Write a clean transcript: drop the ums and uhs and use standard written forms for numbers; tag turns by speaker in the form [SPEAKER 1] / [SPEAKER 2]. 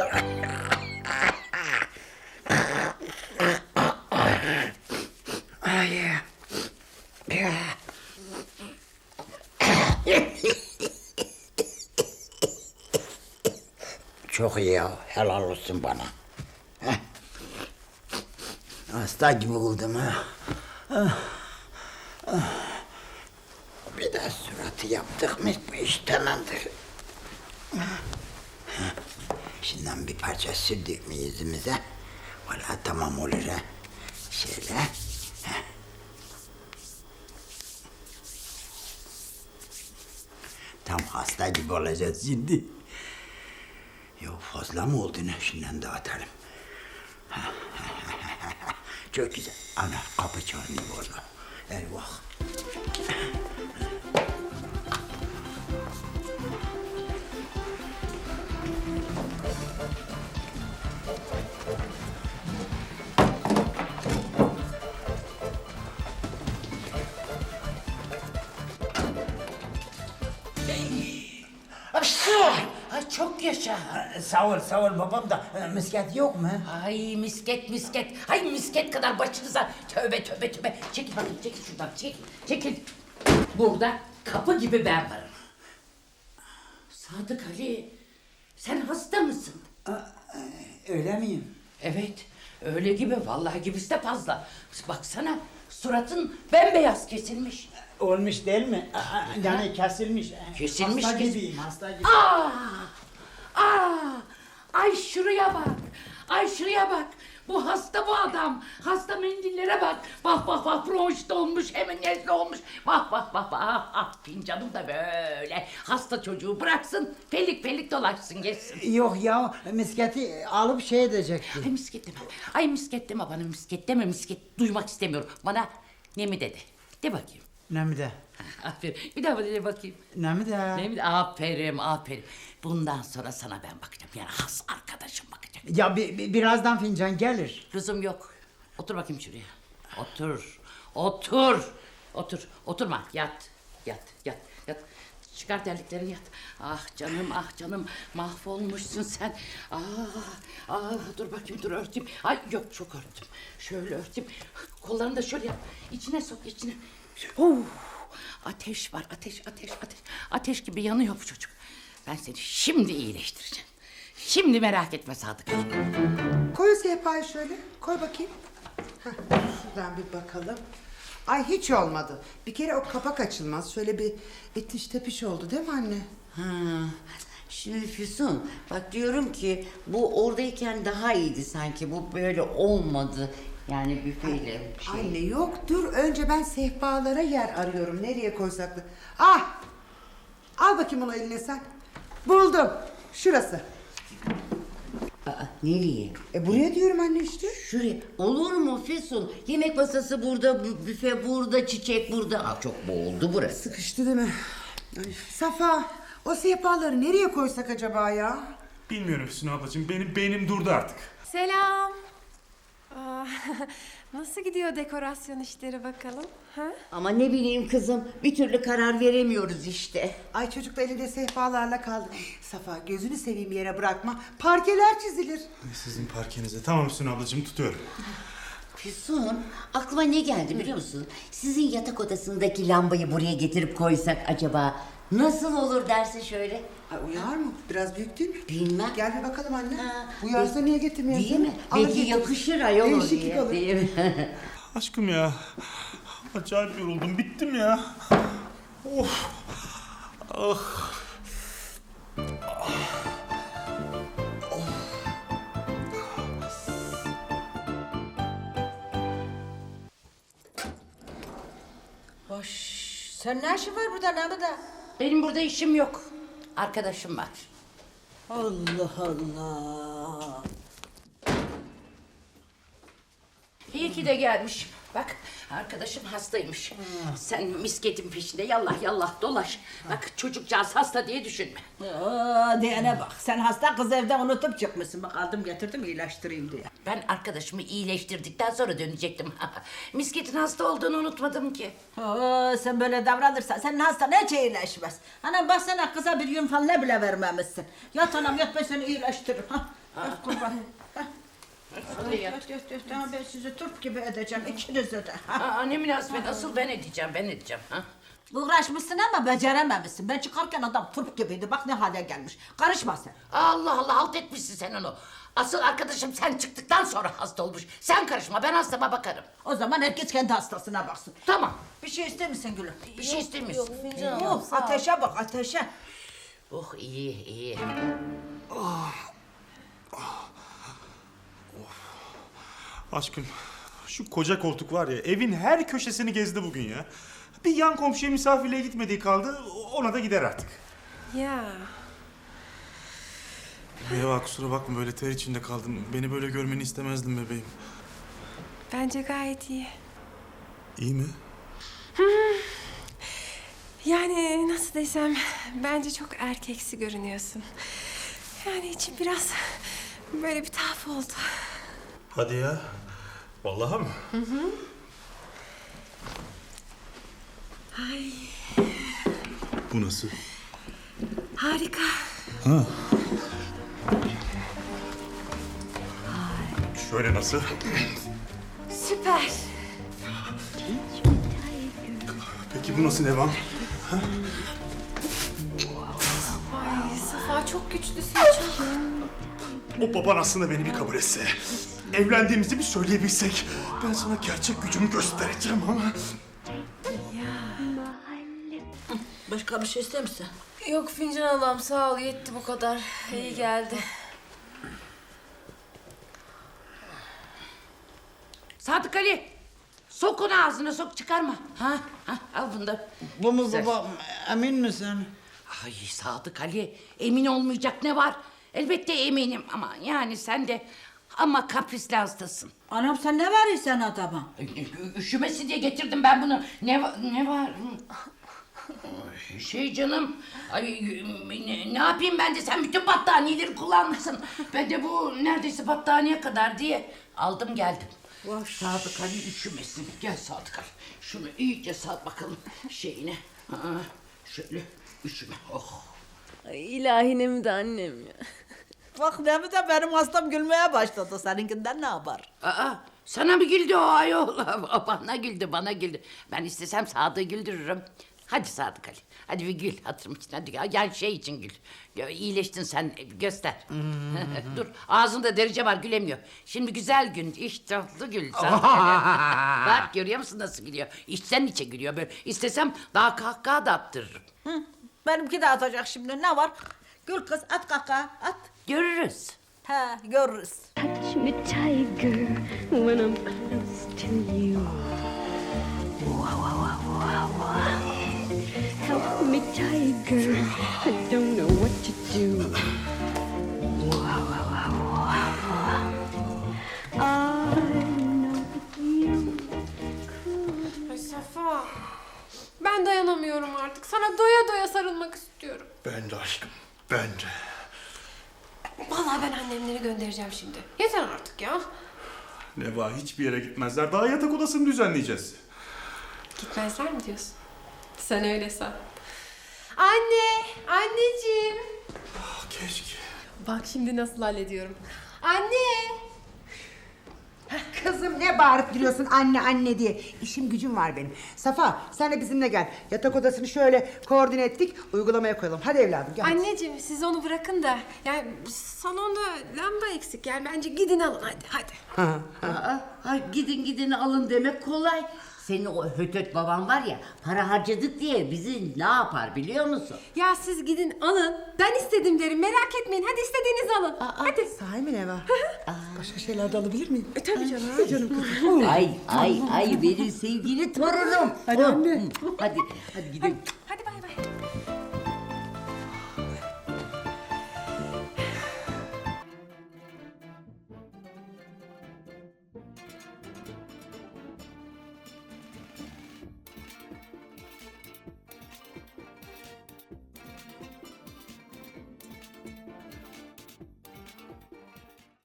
[SPEAKER 1] Ay. Çok iyi ya. Helal olsun bana. Heh. Hasta gibi oldum ha. Bir de suratı yaptık mı bu iş tamamdır. Şimdiden bir parça sürdük mü yüzümüze? Valla tamam olur ha. Şöyle. Tam hasta gibi olacağız şimdi. Yok fazla mı oldu ne? Şimdiden dağıtalım. Çok güzel. Ana kapı çalıyor valla. Eyvah.
[SPEAKER 2] Ay çok yaşa.
[SPEAKER 1] Sağ ol babam da misket yok mu?
[SPEAKER 2] Ay misket. Ay misket kadar başınıza. Tövbe. Çekil bakayım, çekil şuradan, çekil. Burada kapı gibi ben varım. Sadık Ali, sen hasta mısın?
[SPEAKER 1] Öyle miyim?
[SPEAKER 2] Evet, öyle gibi, vallahi gibisi de fazla. Baksana, suratın bembeyaz kesilmiş.
[SPEAKER 1] Olmuş değil mi? Yani kesilmiş.
[SPEAKER 2] Kesilmiş.
[SPEAKER 1] Hasta gibiyim, hasta gibi.
[SPEAKER 2] Ay şuraya bak. Bu hasta bu adam. Hasta mendillere bak. Bak bronşit olmuş, hemen nezle olmuş. Bak. Fincanım da böyle. Hasta çocuğu bıraksın, pelik dolaşsın geçsin.
[SPEAKER 1] Yok ya, misketi alıp şey edecektim.
[SPEAKER 2] Ay misket deme bana, misket duymak istemiyorum. Bana ne mi dedi? De bakayım.
[SPEAKER 1] Ne mi de?
[SPEAKER 2] Aferin. Bir daha de bakayım.
[SPEAKER 1] Ne mi de?
[SPEAKER 2] Ne mi? Aferin. Bundan sonra sana ben bakacağım. Yani has arkadaşım bakacak.
[SPEAKER 1] Ya birazdan fincan gelir.
[SPEAKER 2] Lüzum yok. Otur bakayım şuraya. Oturma. Yat. Çıkar terliklerini yat. Ah canım. Mahvolmuşsun sen. Dur bakayım, dur örteyim. Ay yok, çok örttüm. Şöyle örteyim. Kollarını da şöyle yap. İçine sok, içine. Ateş var, ateş gibi yanıyor bu çocuk. Ben seni şimdi iyileştireceğim. Şimdi merak etme Sadık Ali.
[SPEAKER 3] Koy sehpayı şöyle. Koy bakayım. Heh, şuradan bir bakalım. Ay hiç olmadı. Bir kere o kapak açılmaz. Şöyle bir itiş tepiş oldu değil mi anne?
[SPEAKER 4] Şimdi Füsun, bak diyorum ki bu oradayken daha iyiydi sanki. Bu böyle olmadı. Yani büfeyle bir şey.
[SPEAKER 3] Anne yok dur. Önce ben sehpalara yer arıyorum. Nereye koysak da. Ah! Al bakayım onu eline sen. Buldum. Şurası.
[SPEAKER 4] Nereye?
[SPEAKER 3] Buraya diyorum anne işte.
[SPEAKER 4] Şuraya. Olur mu Füsun? Yemek masası burada, büfe burada, çiçek burada. Çok boğuldu burası.
[SPEAKER 3] Sıkıştı değil mi? Ay, Safa, o sehpaları nereye koysak acaba ya?
[SPEAKER 5] Bilmiyorum Füsun ablacığım. Benim beynim durdu artık.
[SPEAKER 6] Selam. Nasıl gidiyor dekorasyon işleri bakalım? Ha?
[SPEAKER 4] Ama ne bileyim kızım, bir türlü karar veremiyoruz işte.
[SPEAKER 3] Ay çocuk da elinde sehpalarla kaldı. Safa gözünü seveyim yere bırakma. Parkeler çizilir.
[SPEAKER 5] Sizin parkenize. Tamam Füsun ablacığım, tutuyorum.
[SPEAKER 4] Füsun, aklıma ne geldi biliyor musun? Sizin yatak odasındaki lambayı buraya getirip koysak acaba nasıl olur dersin şöyle?
[SPEAKER 3] Ay, uyar mı? Biraz büyük değil mi?
[SPEAKER 4] Bilmem.
[SPEAKER 3] Gel bir bakalım anne.
[SPEAKER 4] Ha,
[SPEAKER 3] Uyarsa niye getirmiyorsun?
[SPEAKER 4] Değil mi?
[SPEAKER 3] Alır
[SPEAKER 4] Belki
[SPEAKER 3] getiririz.
[SPEAKER 4] yakışır ayol
[SPEAKER 3] Değişiklik
[SPEAKER 4] oraya.
[SPEAKER 3] olur.
[SPEAKER 4] Değil mi?
[SPEAKER 5] Aşkım ya. Acayip yoruldum. Bittim ya. Of. Ah.
[SPEAKER 3] Hoş. Sen ne işin var burada Namıda?
[SPEAKER 2] Benim burada işim yok. Arkadaşım var.
[SPEAKER 3] Allah Allah.
[SPEAKER 2] İyi ki de gelmiş. Bak arkadaşım hastaymış. Sen misketin peşinde yallah dolaş. Bak çocukcağız hasta diye düşünme.
[SPEAKER 7] Diyene bak. Sen hasta kız evde unutup çıkmışsın. Bak aldım getirdim iyileştireyim diye.
[SPEAKER 2] Ben arkadaşımı iyileştirdikten sonra dönecektim. Misketin hasta olduğunu unutmadım ki.
[SPEAKER 7] Sen böyle davranırsan senin hastan hiç iyileşmez. Anam baksana kıza bir yün falan ne bile vermemişsin. Yat anam yat ben seni iyileştiririm. Hah kurban. Yat. Tamam ben sizi turp gibi edeceğim ikinizi de.
[SPEAKER 2] Aa, ne münasebet, asıl ben edeceğim. Ha?
[SPEAKER 7] Uğraşmışsın ama becerememişsin. Ben çıkarken adam turp gibiydi. Bak ne hale gelmiş. Karışma sen.
[SPEAKER 2] Allah Allah, halt etmişsin sen onu. Asıl arkadaşım sen çıktıktan sonra hasta olmuş. Sen karışma, ben hastama bakarım.
[SPEAKER 7] O zaman herkes kendi hastasına baksın.
[SPEAKER 2] Tamam.
[SPEAKER 7] Bir şey ister misin Gülüm?
[SPEAKER 2] Bir şey istemiyorsun.
[SPEAKER 7] Yok, ateşe bak ateşe.
[SPEAKER 2] Oh, iyi.
[SPEAKER 5] Aşkım şu koca koltuk var ya evin her köşesini gezdi bugün ya. Bir yan komşuya misafirliğe gitmediği kaldı ona da gider artık.
[SPEAKER 6] Ya.
[SPEAKER 5] Neva kusura bakma böyle ter içinde kaldım. Beni böyle görmeni istemezdim bebeğim.
[SPEAKER 6] Bence gayet iyi.
[SPEAKER 5] İyi mi?
[SPEAKER 6] Yani nasıl desem bence çok erkeksi görünüyorsun. Yani içim biraz böyle bir tuhaf oldu.
[SPEAKER 5] Hadi ya. Vallahi mı?
[SPEAKER 6] Ay
[SPEAKER 5] Bu nasıl?
[SPEAKER 6] harika.
[SPEAKER 5] Şöyle nasıl?
[SPEAKER 6] Süper.
[SPEAKER 5] Peki bu nasıl Nevan?
[SPEAKER 6] Ay Safa çok güçlüsün çok.
[SPEAKER 5] O baban aslında beni bir kabul etse. Evlendiğimizi bir söyleyebilsek. Ben sana gerçek gücümü göstereceğim ama.
[SPEAKER 7] Başka bir şey ister misin?
[SPEAKER 8] Yok fincan ablam sağ ol yetti bu kadar. İyi geldi.
[SPEAKER 2] Sadık Ali, sok onu ağzına, sok, çıkarma. Ha, al bunu da.
[SPEAKER 1] Bu mu
[SPEAKER 2] Güzel.
[SPEAKER 1] baba? Emin misin?
[SPEAKER 2] Ay Sadık Ali, emin olmayacak ne var? Elbette eminim ama yani sen de ama kaprisli hastasın.
[SPEAKER 7] Anam sen ne verirsen adama?
[SPEAKER 2] Üşümesin diye getirdim ben bunu. Ne var? Şey canım, ay ne yapayım ben de, sen bütün battaniyeleri kullanmışsın. Ben de bu neredeyse battaniye kadar diye aldım geldim. Sadık Ali üşümesin. Gel Sadık Ali. Şunu iyice sal bakalım şeyine. Şöyle üşüme. Oh.
[SPEAKER 8] Ay, ilahinem de annem ya.
[SPEAKER 7] Bak ne de benim hastam gülmeye başladı. Seninkinden ne haber?
[SPEAKER 2] Aa, sana mı güldü o ayol? Bana güldü. Ben istesem Sadık'ı güldürürüm. Hadi Sadık Ali. Hadi bir gül hatırım için. Hadi yani şey için gül. İyileştin sen, göster. Dur, ağzında derice var, gülemiyor. Şimdi güzel gün, iştahlı gül. Sadık Ali. Bak görüyor musun nasıl gülüyor? İçten içe gülüyor böyle. İstesem daha kahkaha da attırırım.
[SPEAKER 7] Hı, benimki de atacak şimdi. Ne var? Gül kız at kaka at.
[SPEAKER 2] Görürüz.
[SPEAKER 7] He görürüz.
[SPEAKER 9] Touch me, tiger, when I'm close to you. Help me, tiger, I don't know what to do. I know you.
[SPEAKER 6] Ay Safa. Ben dayanamıyorum artık. Sana doya doya sarılmak istiyorum.
[SPEAKER 5] Ben de aşkım. Ben de.
[SPEAKER 6] Vallahi ben annemleri göndereceğim şimdi. Yeter artık ya.
[SPEAKER 5] Neva hiçbir yere gitmezler. Daha yatak odasını düzenleyeceğiz.
[SPEAKER 6] Gitmezler mi diyorsun? Sen öyle san. Anne! Anneciğim!
[SPEAKER 5] Ah, keşke.
[SPEAKER 6] Bak şimdi nasıl hallediyorum. Anne!
[SPEAKER 3] Kızım ne bağırıp duruyorsun anne anne diye. İşim gücüm var benim. Safa sen de bizimle gel. Yatak odasını şöyle koordine ettik. Uygulamaya koyalım. Hadi evladım gel.
[SPEAKER 6] Anneciğim siz onu bırakın da yani salonda lamba eksik yani bence gidin alın hadi.
[SPEAKER 4] Gidin alın demek kolay. Senin o hötöt baban var ya para harcadık diye bizi ne yapar biliyor musun?
[SPEAKER 6] Ya siz gidin alın. Ben istedim derim merak etmeyin hadi istediğinizi alın. Hadi.
[SPEAKER 3] Sahi mi Neva? Başka şeyler de alabilir miyim?
[SPEAKER 6] Tabii canım.
[SPEAKER 4] Ay benim sevgili torunum. Hadi anne. Hadi gidelim.